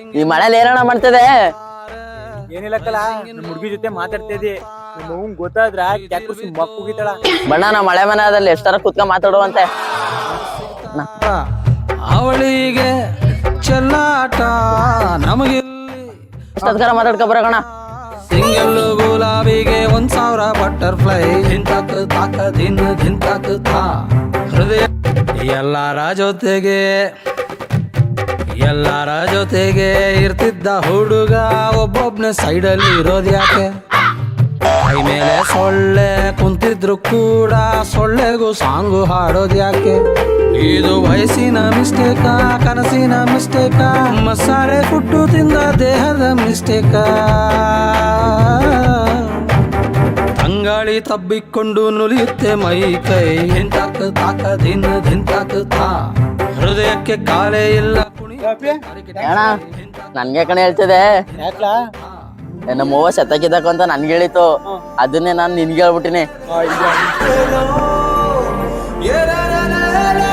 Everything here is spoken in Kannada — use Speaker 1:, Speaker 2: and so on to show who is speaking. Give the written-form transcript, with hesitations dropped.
Speaker 1: ಈ ಮಳೆಲಿ ಏನಣ್ಣ ಮಾಡ್ತದೆ?
Speaker 2: ಏನಿಲ್ಲಕ್ಕಲ್ಲ ನಮ್ಮ ಹುಡುಗಿ ಜೊತೆ ಮಾತಾಡ್ತಾ ಇದ್ದಿ. ನಮ್ಮ ಅವ್ನ್ ಗೊತ್ತಾದ್ರ ಕ್ಯಾಕುಸಿ ಮಕ್ಕುಗಿತಾಳ.
Speaker 1: ಬಣ್ಣ ನಾ ಮಳೆ ಮನೆಯಲ್ಲಿ ಎಷ್ಟಾರ ಕುತ್ಕೊಂಡ್ ಮಾತಾಡುವಂತೆ.
Speaker 3: ಅವಳಿಗೆ ಚೆಲ್ಲಾಟ ನಮಗೆ
Speaker 1: ಎಷ್ಟೊತ್ಕರ ಮಾತಾಡ್ಕೊ ಬರೋಣ.
Speaker 3: ಸಿಂಗಲ್ಲು ಗುಲಾಬಿಗೆ 1000 ಬಟರ್ಫ್ಲೈ ಧಿಂತಾಕ್ ತಾಕ ದಿನ ಧಿಂತಾಕ್ ತಾ ಹೃದಯ ಎಲ್ಲರ ಜೊತೆಗೆ ಇರ್ತಿದ್ದ ಹುಡುಗ ಒಬ್ಬೊಬ್ನೇ ಸೈಡಲ್ಲಿ ಇರೋದ್ಯಾಕೆ? ಕೈ ಮೇಲೆ ಸೊಳ್ಳೆ ಕುಂತಿದ್ರು ಕೂಡ ಸೊಳ್ಳೆಗೂ ಸಾಂಗು ಹಾಡೋದ್ಯಾಕೆ? ಇದು ವಯಸ್ಸಿನ ಮಿಸ್ಟೇಕ, ಕನಸಿನ ಮಿಸ್ಟೇಕ, ಮಸಾಲೆ ಫುಡ್ಡು ತಿಂದ ದೇಹದ ಮಿಸ್ಟೇಕ? ತಂಗಾಳಿ ತಬ್ಬಿಕೊಂಡು ನುಲಿಯುತ್ತೆ ಮೈ ಕೈ ಧಿಂತಾಕ್ ತಾಕ ದಿನ ಧಿಂತಾಕ್ ತಾ ಹೃದಯಕ್ಕೆ ಕಾಲೇ ಇಲ್ಲ.
Speaker 1: ಅಣ್ಣ ನನ್ಗೆ ಕಣೆ ಹೇಳ್ತಿದೆ.
Speaker 2: ಯಾಕ್ಲಾ?
Speaker 1: ನಮ್ಮ ಅವ್ವ ಸತ್ತಕ್ಕಿದ್ದಕ್ಕ ಅಂತ ನನ್ಗೆ ಹೇಳಿತು. ಅದನ್ನೇ ನಾನು ನಿನ್ಗೆ ಹೇಳ್ಬಿಟ್ಟಿನಿ.